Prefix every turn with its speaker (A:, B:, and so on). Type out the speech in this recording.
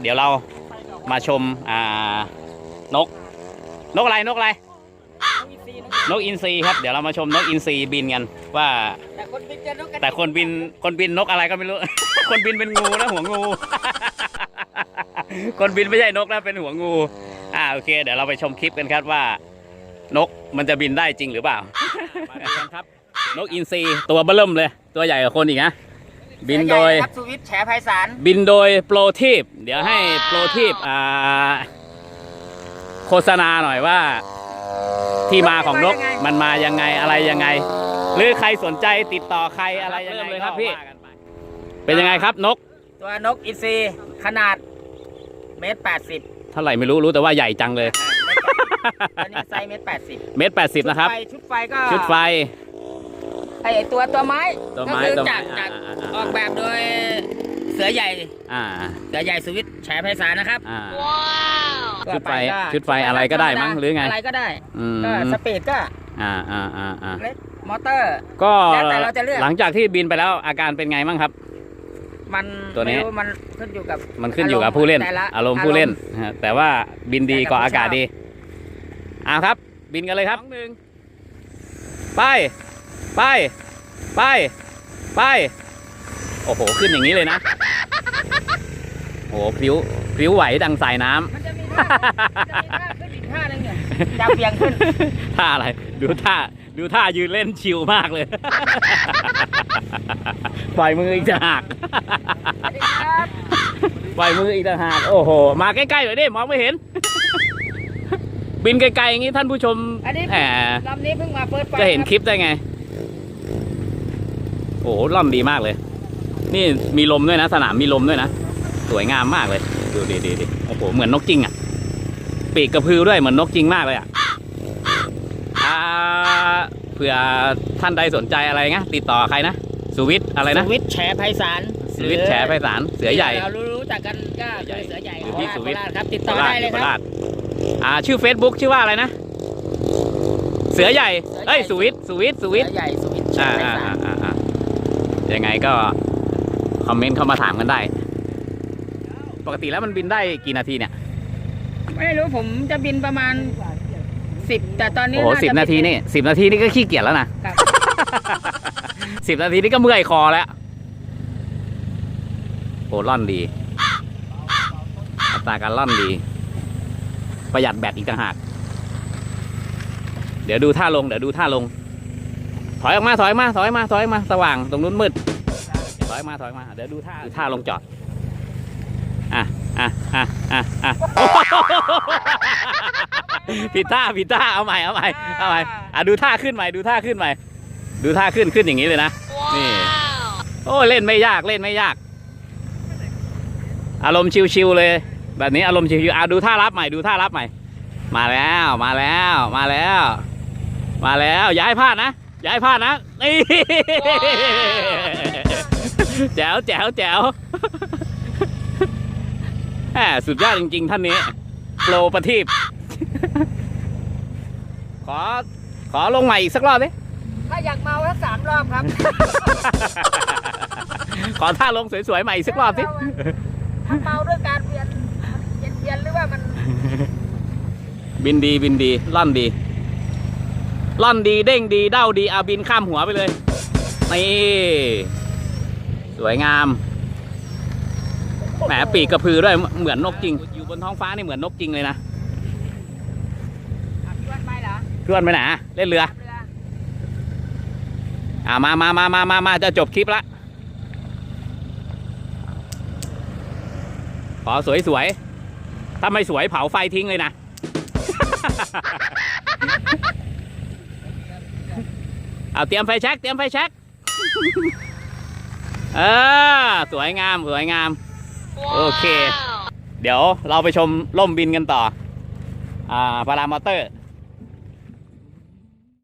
A: เดี๋ยวเรามาชมนกอะไรนกอินทรีครับ เดี๋ยวเรามาชมนกอินทรีบินกันว่าแต่คนบินนกอะไรก็ไม่รู้ คนบินเป็นงูนะหัวงู คนบินไม่ใช่นกนะเป็นหัวงูโอเคเดี๋ยวเราไปชมคลิปกันครับว่านกมันจะบินได้จริงหรือเปล่า มากันครับนกอินทรีตัวเบิ่มเลยตัวใหญ่กว่าคนอีกนะบินโดย
B: สุวิทย์แฉไพศาล
A: บินโดยโปรทีปเดี๋ยวให้โปรทีปโฆษณาหน่อยว่าที่มาของนกมันมายังไงอะไรยังไงหรือใครสนใจติดต่อใครอะไรยังไงเลยครับพี่เป็นยังไงครับนก
B: ตัวนกอินทรีขนาด1.80
A: เท่าไหร่ไม่รู้แต่ว่าใหญ่จังเลย
B: อันนี้ไซส์1.80
A: 1.80นะครับ
B: ชุดไฟก็
A: ชุดไฟ
B: ไอตัวไม้ก็คือจากออกแบบโดยเสือใหญ่สุวิทย์แฉไพศาลนะครับ
A: ชุดไฟอะไรก็ได้มั้งหรือไง
B: อะไรก็ได้ก็สปีดก็เล็กมอเตอร์
A: ก็
B: แล้วแต่เราจะเลือก
A: หลังจากที่บินไปแล้วอาการเป็นไงบ้างครับ
B: มัน
A: ตัวนี้
B: มันขึ้นอยู่
A: กับผู้เล่นอารมณ์ผู้เล่นแต่ว่าบินดีกว่าอากาศดีครับบินกันเลยครับไปโอ้โหขึ้นอย่างนี้เลยนะโอ้โหพลิ้วไหวดังสายน้ำ
B: มันจะมีท่าขึ้นอีกท่านึงเนี่ยจะเบี่ยงขึ้น
A: ท่าอะไรดูท่ายืนเล่นชิลมากเลยปล่อยมืออีกต่างหากปล่อยมืออีกต่างหากโอ้โหมาใกล้ๆหน่อยดิมองไม่เห็นบินไกลๆอย่างนี้ท่านผู้ชม
B: ลำนี้เพิ่งมาเปิด
A: จะเห็นคลิปได้ไงโอ้โหล่ำดีมากเลยนี่มีลมด้วยนะสนามมีลมด้วยนะสวยงามมากเลยดูดีโอ้โหเหมือนนกจริงอ่ะปีกกระพือด้วยเหมือนนกจริงมากเลยเผื่อท่านใดสนใจอะไรนะติดต่อใครนะสุวิทย์อะไรนะ
B: สุวิทย์แฉไพศาล
A: เสือใหญ่
B: เรารู้จักกันก็เสือใหญ่หรือพี่สุวิทย์ครับติดต่อได้เลยครับ
A: ชื่อ Facebook ชื่อว่าอะไรนะเสือใหญ่สุวิทย์
B: ใหญ่สุวิทย์
A: ยังไงก็คอมเมนต์เข้ามาถามกันได้ปกติแล้วมันบินได้กี่นาทีเนี่ย
B: ไม่รู้ผมจะบินประมาณ10แต่ตอนนี้
A: โอ้โห10 นาทีนี่10 นาทีนี่ก็ขี้เกียจแล้วนะ10 นาทีนี่ก็เมื่อยคอแล้วโอ้ล่อนดีอัตราการล่อนดีประหยัดแบตอีกต่างหากเดี๋ยวดูท่าลงถอยออกมาสว่างตรงนู้นมืดถอยมาเดี๋ยวดูท่าลงจอดผิดท่าเอาใหม่ดูท่าขึ้นใหม่ดูท่าขึ้นอย่างนี้เลยนะนี่โอ้เล่นไม่ยากอารมณ์ชิวๆเลยแบบนี้อารมณ์ชิวๆดูท่ารับใหม่มาแล้วอย่าให้พลาดนะนี่แจ๋วสุดยอดจริงๆท่านนี้โปรประทีปขอลงใหม่อีกสักรอบดิ
B: ถ้าอยากเมาแล้ว3 รอบครับ
A: ขอท่าลงสวยๆใหม่อีกสักรอบสิ
B: ถ้าเมาด้วยการเวียนหรือว่ามัน
A: บินดีล่อนดีเด้งดีเด้าดีบินข้ามหัวไปเลยนี่สวยงามแหมปีกกระพือด้วยเหมือนนกจริงอยู่บนท้องฟ้านี่เหมือนนกจริงเลยนะ
B: เพื่อนไปเหรอ
A: เพื่อนไปไหนเล่นเรือมาจะจบคลิปละขอสวยถ้าไม่สวยเผาไฟทิ้งเลยนะเตรียมไฟแช็กสวยงามโอเคเดี๋ยวเราไปชมล่มบินกันต่อพารามอเตอร์